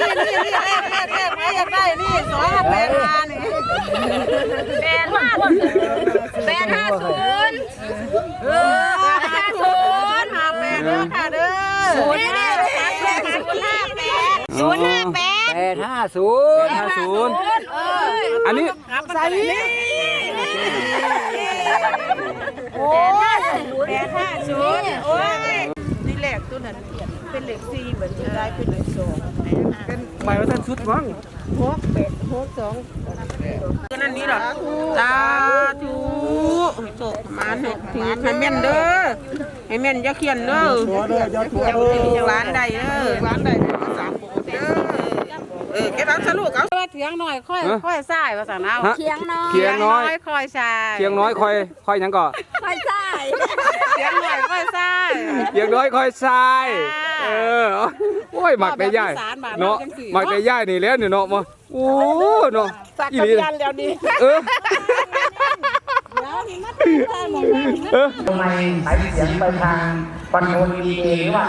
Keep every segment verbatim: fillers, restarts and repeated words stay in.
นี่นี่เลขเลขเลขไม่อยากได้นี่สองแปดห้านี่แปดห้าแปดห้าศูนย์เออแปดห้าศูนย์ห้าแปดเด้อค่ะเด้อศูนย์ห้าแปดศูนย์ห้าแปดศูนย์ห้าแปดแปดห้าศูนย์ห้าศูนย์อันนี้ใส่นี่โอ้ยแปดห้าศูนย์โอ้ยนี่เลขตัวนั้นเป็นเลขสี่เหมือนจะได้เป็นเลขสองเป็นหมายว่าท่านชุดมั้งหกแปดหกสองตัวนั้นนี้หรอสาธุโตมาเถอะถือให้แม่นเด้อให้แม่นอย่าเขียนเด้ออย่าหวานใดเด้อหวานใดสามโปเด้อเออแกรับสรุปเอาเถียงหน่อยค่อยค่อยซ่ายภาษาเอาเถียงน้อยเถียงน้อยค่อยซ่ายเถียงน้อยค่อยค่อยยังก่อค่อยซ่ายเถียงหน่อยค่อยซ่ายเถียงน้อยค่อยซ่ายเออโอ้ยหมักได้ย่ายเนาะหมักได้ย่ายนี่แล้วนี่เนาะมาโอ้เนาะสักกันยันแล้วนี่เออเออทำไมสายเสียงไปทางคอนโทรลดีเจหรือว่า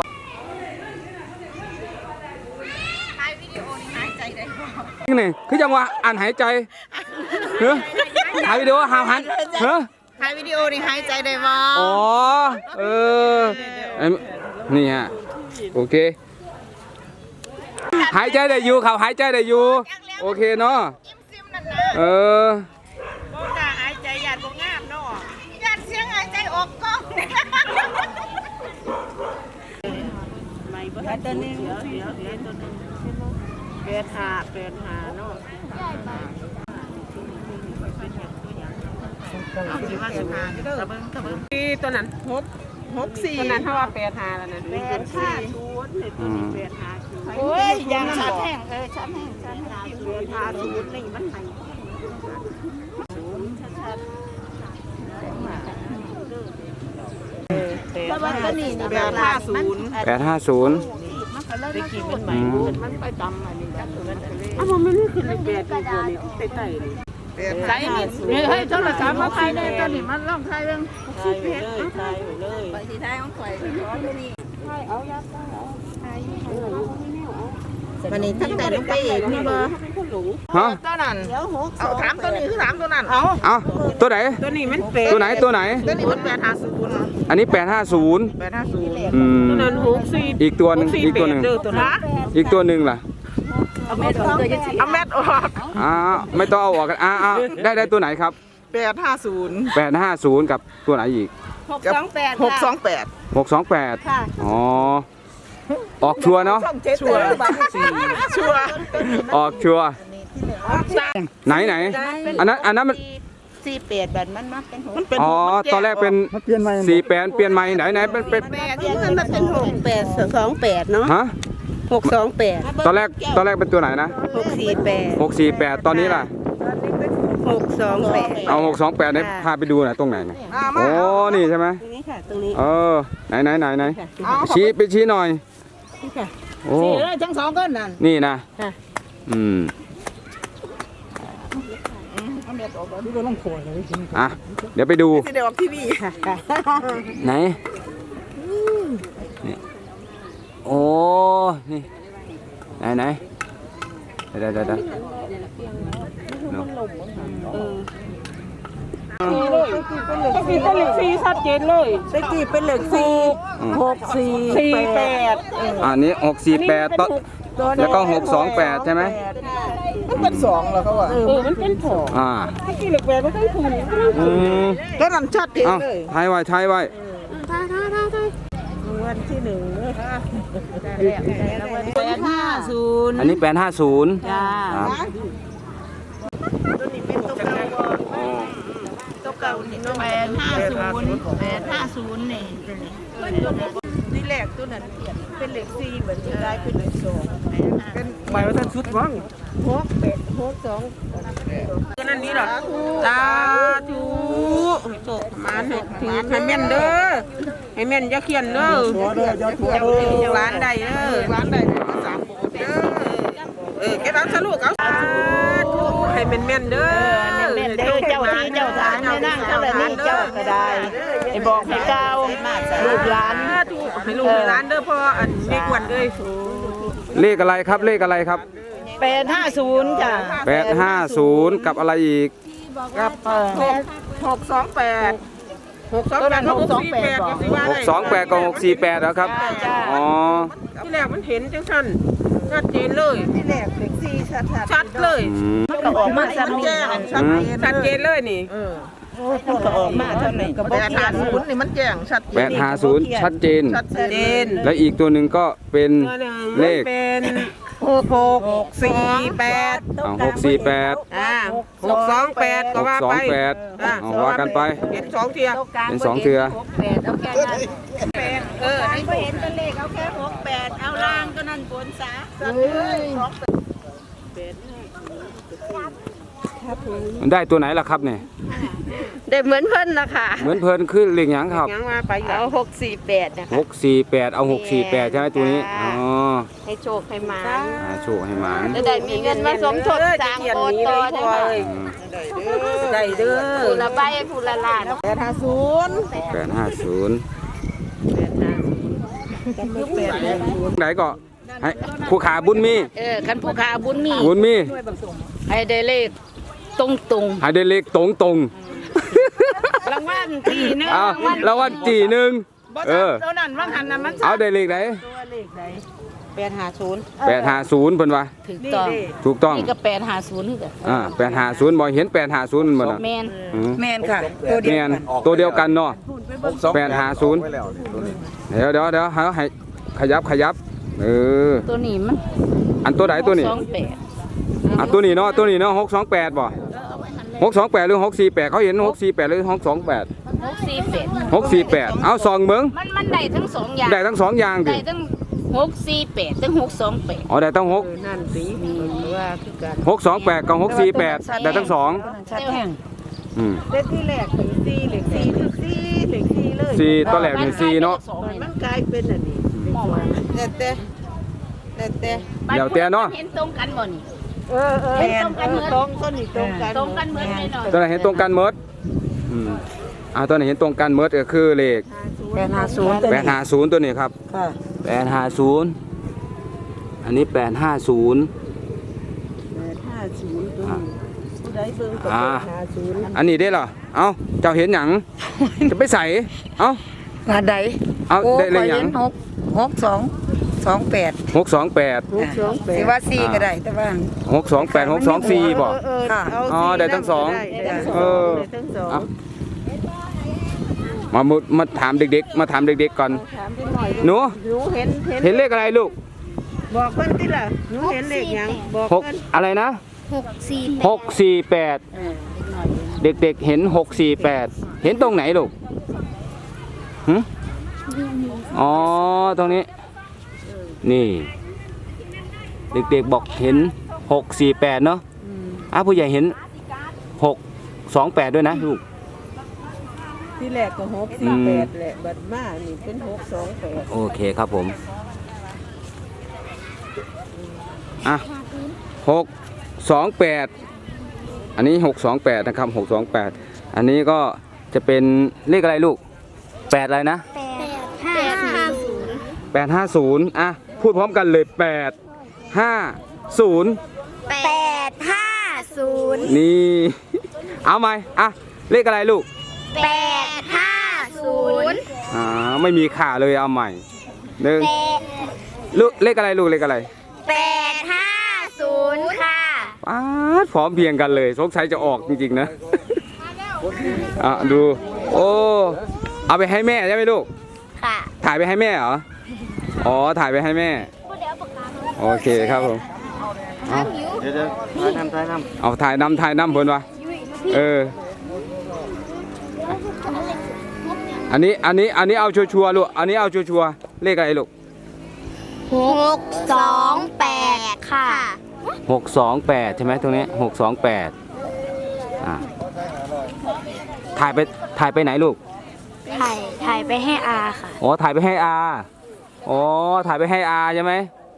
นี่คือจังหวะอ่านหายใจเฮ้ยถ่ายวิดีโอหาวหันเฮ้ยถ่ายวิดีโอนี่หายใจได้บ่อ๋อเออนี่ฮะโอเคหายใจได้อยู่เขาหายใจได้อยู่โอเคเนาะเออบ่กล้าหายใจหยาดบ่งามเนาะหยาดเสียงหายใจออกก้องไม่บ่ทันตัวนึงเดี๋ยวเดี๋ยวตัวนึงแปดห้าแปดห้าเนาะตัวนั้นหกหกสี่ตัวนั้นเท่าว่าแปดห้าแล้วนะแปดห้าศูนย์แปดห้าศูนย์โอ้ยยังชัดแห้งเออชัดแห้งชัดแห้งแปดห้าศูนย์นี่มันไห้ศูนย์ชัดๆแปดห้าศูนย์แปดห้าศูนย์ได้กินมันใหม่มันไปตำอันนี้กันตัวนั้นอ้าวมันไม่ขึ้นเลยแปดตัวนี้ใต้ใต้เลยใส่นี่เฮ้ยโทรศัพท์มาถ่ายเลยตัวนี้มันลองถ่ายเรื่องถ่ายเลยถ่ายเลยไปที่ถ่ายของข่อยร้อนนี่ถ่ายเอายัดเอาถ่ายวันนี้ตั้งแต่ลงไปเองนี่บ่ฮะตัวนั้นเอาถามตัวนี้คือถามตัวนั้นเอาเอาตัวไหนตัวนี้มันเป็นตัวไหนตัวไหนตัวนี้มันแปดห้าศูนย์อันนี้แปดห้าศูนย์แปดห้าศูนย์อืมตัวนั้นหกสี่อีกตัวหนึ่งอีกตัวหนึ่งอีกตัวหนึ่งล่ะเอาแมทออกเอาแมทออกอ่าไม่ต้องเอาออกกันอ่าอ่าได้ได้ตัวไหนครับแปดห้าศูนย์แปดห้าศูนย์กับตัวไหนอีกหกสองแปดหกสองแปดหกสองแปดอ๋อออกชัวเนาะชัวชัวออกชัวไหนไหนอันนั้นอันนั้นมันสี่แปดแบบมันมาเป็นอ๋อตอนแรกเป็นสี่แปดเปลี่ยนใหม่ไหนไหนเป็นเป็นแปดที่มันเป็นหกแปดสองแปดเนาะฮะหกสองแปดตอนแรกตอนแรกเป็นตัวไหนนะหกสี่แปดหกสี่แปดตอนนี้ล่ะหกสองแปดเอาหกสองแปดเนี่ยพาไปดูหน่อยตรงไหนนะโอ้นี่ใช่ไหมตรงนี้ค่ะตรงนี้เออไหนไหนไหนไหนชี้ไปชี้หน่อยโอ้ทั้งสองก้อนนั่นนี่นะอืมอ่ะเดี๋ยวไปดูเดี๋ยวออกทีวีไหนโอ้นี่ไหนไหนเดี๋ยวเดี๋ยวเดี๋ยวตะกี้เป็นเหล็กสี่ชัดเจนเลยตะกี้เป็นเหล็กสี่หกสี่สี่แปดอันนี้หกสี่แปดต้นแล้วก็หกสองแปดใช่ไหมมันเป็นสองเหรอเขาว่าเออมันเป็นสองอ่าตะกี้เหล็กแปดไม่ต้องถูกอืมก็นั่นชัดเจนเลยทายไว้ทายไว้ทายทายทายทายวันที่หนึ่งแปดห้าศูนย์อันนี้แปดห้าศูนย์จ้าตัวนี้เป็นตัวเก่าตัวเก่านี่แปดห้าศูนย์แปดห้าศูนย์นี่นี่แหลกตัวนั้นเป็นเหล็กสี่เหมือนจะได้เป็นเหล็กสองเป็นหมายว่าท่านชุดมั้งหกแปดหกสองตัวนั้นนี้หรอสาธุโตมาเถอะถือให้แม่นเด้อให้แม่นอย่าเขียนเด้ออย่าหวานใดเด้อหวานใดสามโปเด้อเออแกรับสรุปเอาให้แม่นแม่นเด้อแม่นเด้อเจ้าที่เจ้าทางเนี่ยนั่งเท่าไหร่นี่เจ้าก็ได้ไอ้บอกให้เก้าลูกหลานให้ลูกหลานเด้อพ่ออันไม่กวนเลยเลขอะไรครับเลขอะไรครับแปดห้าศูนย์จ้ะแปดห้าศูนย์กับอะไรอีกกับเออหกหกสองแปดหกสองแปดหกสี่แปดก็สิว่าหกสองแปดกับหกสี่แปดแล้วครับอ๋อที่แรกมันเห็นจังซั่นชัดเจนเลยที่แรกเด็กสี่ชัดชัดชัดเลยอืมมันก็ออกมาชัดแจ้งชัดชัดเจนเลยนี่มันก็ออกมาเท่านี้ก็บอกแปดห้าศูนย์นี่มันแจ้งชัดเจแปนดห้าศูนย์ชัดเจนชัดชัดเจเจนนและอีกตัวหนึ่งก็เป็นตัวหนึ่งเลขเป็นหกหกสี่แปดอ่าหกสี่แปดอ่าหกสองแปดหก็กว่าสอไปงแปดอ่าเอาว่ากันไปเห็นสองเทียเป็นสองเทือเออไอ้ไม่เห็นตัวเลขเอาแค่หกแปดเอาล่างก็นั่นบนซะมันได้ตัวไหนล่ะครับเนี่ยได้เหมือนเพิ่นนะคะเหมือนเพลินขึ้นเลขหยังครับยังว่าไปอยู่เอาหกสี่แปดนะคะหกสี่แปดเอาหกสี่แปดใช่ไหมตัวนี้อ๋อให้โชคให้มาอ่าโชคให้หมานจะได้มีเงินมาสมทบสร้างโบสถ์ต่อได้ค่ะอืมได้เด้อผู้ละใบผู้ละล้านแปดห้าศูนย์แปดห้าศูนย์ไหนก็ให้คู่ขาบุญมีเออคันผู้ค้าบุญมีบุญมีให้ได้เลขตรงตรงให้ได้เลขตรงตรงๆรางวัลที่หนึงๆเอารางวัลแล้ววันจีหนึ่งเออเท่านั้นว่างหันน่ะมันเอาได้เลขไหนแปดห้าศูนย์แปดห้าศูนย์เพิ่นว่าถูกต้องถูกต้องนี่ก็แปดห้าศูนย์คือกันอ่าแปดห้าศูนย์บอกเห็นแปดห้าศูนย์หมดอ่ะแมนอืมแมนค่ะตัวเดียวแม่นตัวเดียวกันเนาะแปดห้าศูนย์เดี๋ยวเดี๋ยวเดี๋ยวให้ให้ขยับขยับเออตัวนี้มันอันตัวไหนตัวนี้สองแปดอ่ะตัวนี้เนาะตัวนี้เนาะหกสองแปดบ่หกสองแปดหรือหกสี่แปดเขาเห็นหกสี่แปดหรือหกสองแปดหกสี่แปดหกสี่แปดเอาซองเมืองมันมันได้ทั้งสองอย่างได้ทั้งสองอย่างดิได้ทั้งหกสี่แปดทั้งหกสองแปดอ๋อได้ทั้งหกนั่นสิว่าคือกันหกสองแปดกับหกสี่แปดได้ทั้งสองชัดแห้งอืมเลขที่แรกถึงสี่เลขสี่ถึงสี่เลขสี่เลยสี่ตัวแหลกเป็นสี่เนาะมันกลายเป็นอันนี้แต่แต่แต่แต่เดี๋ยวแต่เนาะเห็นตรงกันบ่นี่เออเออเห็นตรงกันเหมือนตรงต้นนี่ตรงกันตรงกันเหมือนไปหน่อยตัวไหนเห็นตรงกันเมิดอืมอ่าตัวไหนเห็นตรงกันเมิดก็คือเลขแปดห้าศูนย์แปดห้าศูนย์ตัวนี้ครับค่ะแปดห้าศูนย์อันนี้แปดห้าศูนย์แปดห้าศูนย์ตัวนี้ผู้ใดเบิ่งก็อ่าแปดห้าศูนย์อันนี้ได้เหรอเอ้าเจ้าเห็นหยังจะไปใส่เอ้าอันใดเอาได้เลยหยังหกหกสองสองแปดหกสองแปดหกสองแปดสิว่าสี่ก็ได้แต่ว่าหกสองแปดหกสองสี่บ่ค่ะอ๋อได้ทั้งสองได้ทั้งสเอองอได้ทั้งสองเอามามุดมาถามเด็กๆ มาถามเด็กๆก่อนถามพี่หน่อยหนูหนูเห็นเห็นเห็นเลขอะไรลูกบอกเพิ่นติล่ะหนูเห็นเลขหยังบอกหกเพิ่นอะไรนะหกสี่หกสี่แปดเด็กๆเห็นหกสี่แปดเห็นตรงไหนลูกหึอ๋อตรงนี้ นี่ เด็กๆบอกเห็นหกสี่แปดเนาะอ้าวผู้ใหญ่เห็นหกสองแปดด้วยนะลูกที่แรกก็หกสี่แปดแหละบัดมานี่เป็นหกสองแปดโอเคครับผมอ่ะหกสองแปดอันนี้หกสองแปดนะครับหกสองแปดอันนี้ก็จะเป็นเลขอะไรลูกแปดอะไรนะห้าศูนย์แปดห้าศูนย์อ่ะพูดพร้อมกันเลยแปดห้าศูนย์แปดห้าศูนย์นี่ เอาไหมอ่ะเลขอะไรลูกแปดห้าศูนย์อ่าไม่มีขาเลยเอาใหม่หนึ่งลูกเลขอะไรลูกเลขอะไรแปดห้าศูนย์ค่ะป๊าดพร้อมเพรียงกันเลยสงสัยจะออกจริงๆนะ อ่ะดูโอ้เอาไปให้แม่ใช่ไหมลูกค่ะถ่ายไปให้แม่เหรออ๋อถ่ายไปให้แม่โอเคครับผมเอาเดี๋ยวถ่ายนำถ่ายนำเอาถ่ายนำถ่ายนำเพิ่นวะเอออันนี้อันนี้อันนี้เอาชัวร์ๆลูกอันนี้เอาชัวร์ๆเลขอะไรลูกหกสองแปดค่ะหกสองแปดใช่ไหมตรงนี้หกสองแปดอ่าถ่ายไปถ่ายไปไหนลูกถ่ายถ่ายไปให้อาค่ะอ๋อถ่ายไปให้อาอ๋อถ่ายไปให้อาใช่ไหม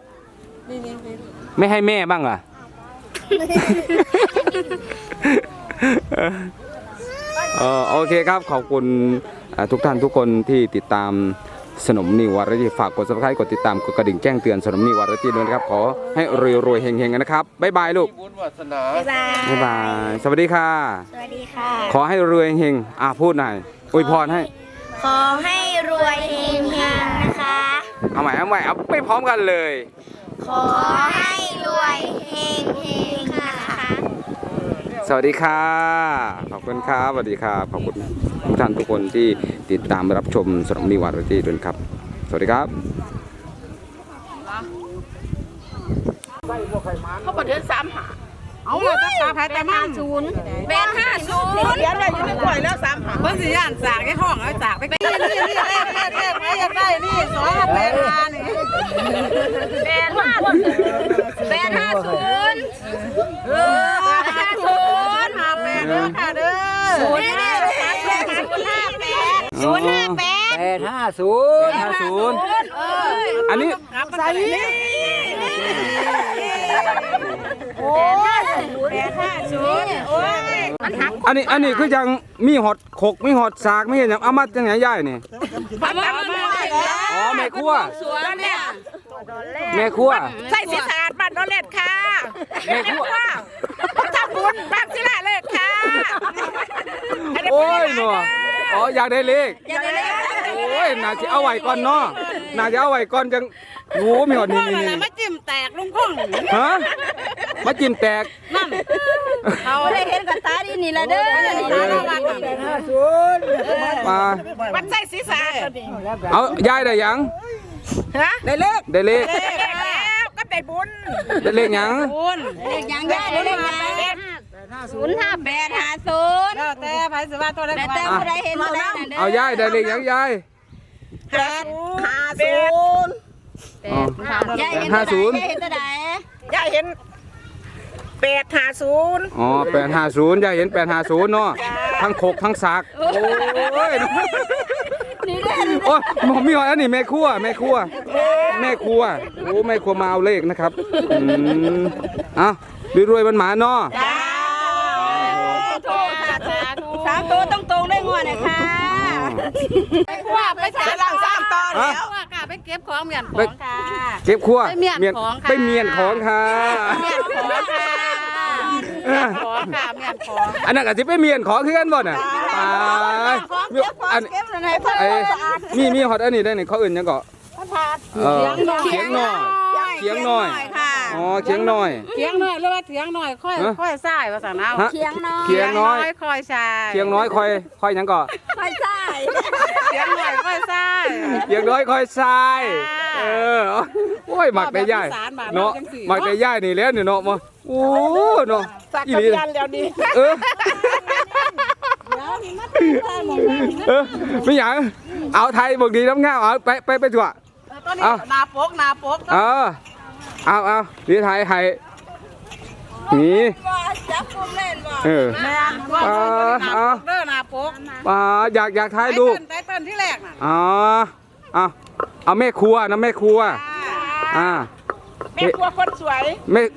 ไม่ให้แม่บ้างเหรอ เออโอเคครับขอบคุณอ่าทุกท่านทุกคนที่ติดตามสนมนิววาไรตี้ฝากกด ซับสไครบ์ กดติดตามกดกระดิ่งแจ้งเตือนสนมนิววาไรตี้ด้วยนะครับขอให้รวยๆเฮงๆกันนะครับบ๊ายบายลูกบ๊ายบายบ๊ายบายสวัสดีค่ะสวัสดีค่ะขอให้รวยเฮงอ่ะพูดหน่อยอวยพรให้ขอให้รวยเฮงๆนะคะเอาใหม่เอาใหม่เอาไปพร้อมกันเลยขอให้รวยเฮงๆนะคะสวัสดีค่ะขอบคุณครับสวัสดีครับขอบคุณทุกท่านทุกคนที่ติดตามรับชมสนมนิววาไรตี้ด้วยครับสวัสดีครับเขาประเดินสามหาเอามาตาตาพายตามั่งศูนย์แปดห้าศูนย์เดี๋ยวได้อยู่ในกล้วยแล้วสามหาเพิ่นสิย่านสากให้ห้องเอาสากไปนี่นี่นี่เลขเลขเลขไม่อยากได้นี่สองแปดห้านี่แปดห้าแปดห้าศูนย์เออห้าศูนย์ห้าแปดเด้อค่ะเด้อศูนย์ห้าแปดศูนย์ห้าแปดแปดห้าศูนย์ห้าศูนย์อันนี้ใส่นี่โอ้ยแปดห้าศูนย์โอ้ยอันนี้อันนี้คือยังมีหอดขกมีหอดสากไม่เห็นยังเอามาจังไหนย่ายนี่มามามาอ๋อแม่ครัวสวนเนี่ยแม่ครัวใส่สีสาดบ้านนอเล็ดค่ะแม่ครัวทำบุญบางศิลาเลขค่ะโอ้ยหนออ๋ออยากได้เลขโอ้ยน่าจะเอาไว้ก่อนเนาะน่าจะเอาไว้ก่อนจังโอ้มีหอดนี่นี่นี่มาจิ้มแตกลุงพ่องฮะมาจิ้มแตกนั่นเขาได้เห็นกับตาดีนี่ละเด้อมามันใส่สีสาดเอายายได้ยังฮะได้เลขได้เลขเลขแล้วก็ได้บุญได้เลขยังคุณเลขยังได้เลขยังศูนย์ห้าแปดห้าศูนย์แล้วแต่ไผสิว่าตัวเล็กแต่กแต่ว่าผู้ใดเห็นผู้ใดนั่นเด้อเอายายได้เลขยังยายแปดห้าศูนย์อ๋อยายเห็นห้าศูนย์ยายเห็นตัวใดยายเห็นแปดห้าศูนย์อ๋อแปดห้าศูนย์ยายเห็นแปดห้าศูนย์เนาะทั้งขกทั้งสากโอ้ยนี่เด้อโอ้ยหมอมีหอยอันนี้แม่ครัวแม่ครัวแม่ครัวโอ้แม่ครัวมาเอาเลขนะครับอืมเอ่ะรวยๆมันหมาเนาะจ้าสามตัวต้องตรงได้งวดเลยค่ะว่าไปถามหลังสามตอนฮะแล้วว่ากะไปเก็บของเมียนของค่ะเก็บครัวไปเมียนของค่ะไปเมียนของค่ะเมียนของค่ะเมียนของค่ะเมียนของอันนั้นก็สิไปเมียนของคือกันบ่น่ะไปอันไอ้มีมีฮอตอันนี้ได้นี่เขาอื่นยังก็เออเขียงหน่อยเขียงหน่อยอ๋อเขียงหน่อยเถียงหน่อยหรือว่าเถียงหน่อยค่อยฮะค่อยซ่ายว่าซั่นเอาฮะเคียงน้อยเขียงน้อยค่อยซ่ายเขียงน้อยคอยคอยหยังก็ไปใส่เถียงหน่อยค่อยซ่ายเขียงน้อยคอยทรายเออโอ้ยหมักได้ย่ายเนาะหมักได้ย่ายนี่แล้วนี่เนาะมาโอ้เนาะสักอีกับหลียันแล้วนี่เออเออไม่หยังเอาไทยบอกดีน้ำง่าเอาไปไปไปถั่วตัวนี้เอานาปกนาปกเออเอาเอาดีไทยไทยนี่จับกุมเล่นบ่เออแม่นว่าตัวนี้นาปกเด้อนาปกอ่าอยากอยากถ่ายไตรูปเติ้ลไตเติ้ลที่แรกน่ะอ๋อเอาเอาแม่ครัวนะแม่ครัวอ่าแม่ครัวคนสวยแม่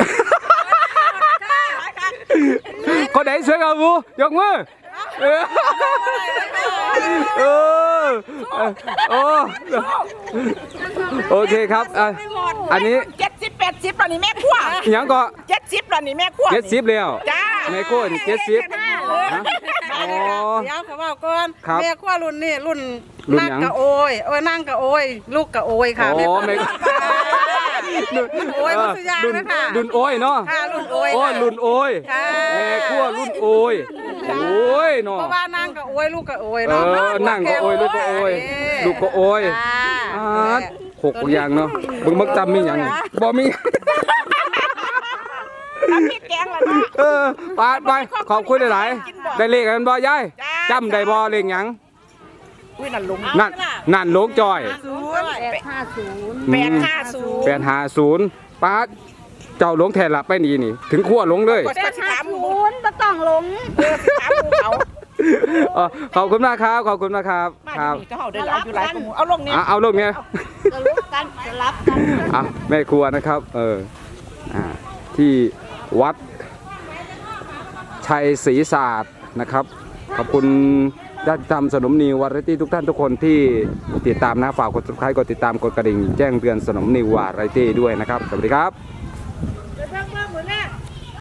คนไหนสวยกว่าบูยกมือเออเออโอ้โอเคครับอ่ะอันนี้เจ็ดสิบแปดสิบแล้วนี่แม่ครัวหยังก็เจ็ดสิบแล้วนี่แม่ครัวเจ็ดสิบแล้วจ้าแม่ครัวนี่เจ็ดสิบฮะอ๋อเดี๋ยวเขาบอกก่อนครับแม่ขั้วรุ่นนี่รุ่นรุ่นนั่งหยังกะโอยเอ้ยนั่งกะโอยลูกกะโอยค่ะอ๋อแม่รุ่นโอยมันสุดยางรุ่นนะค่ะรุ่นโอ้ยเนาะค่ะรุ่นโอยโอ้ยค่ะรุ่นโอ้ยค่ะแม่ครัวรุ่นโอ้ยโอ้ยเนาะเพราะว่านั่งกะโอยลูกกะโอยเอเนาะอนั่งก็โอ้ยลูกก็โอ้ยลูกก็โอ้ยค่ะอ่าหกอย่างเนาะเบิ่งมักจำมีหยังนี่บ่มีน้ำพริกแกงแล้วเนาะเออไปไปขอบคุณหลายๆได้เลขกันบ่ยายจำได้บ่เลขหยังอุ้ยนั่นลุงนั่นนั่นหลวงจอยศูนย์แปดห้าศูนย์แปดห้าศูนย์ป้าเจ้าหลวงแทนละไปนี่นี่ถึงขั้วหลงเลยกดสิถามหมูศูนย์บ่ต้องหลงเออสิถามหมูเขาเออขอบคุณมากครับขอบคุณมากครับบ้านครับนี่ก็เอาได้หลายอยู่หลายกว่าหมูเอาลงนี่อ่ะเอาลงเนี่ยจะลุกกันจะรับกันอ่ะแม่ครัวนะครับเอออ่าที่วัดชัยศรีศาสตร์นะครับขอบคุณญาติธรรมสนมนิววาไรตี้ทุกท่านทุกคนที่ติดตามนะฝากกด ซับสไครบ์ กดติดตามกดกระดิ่งแจ้งเตือนสนมนิววาไรตี้ด้วยนะครับสวัสดีครับ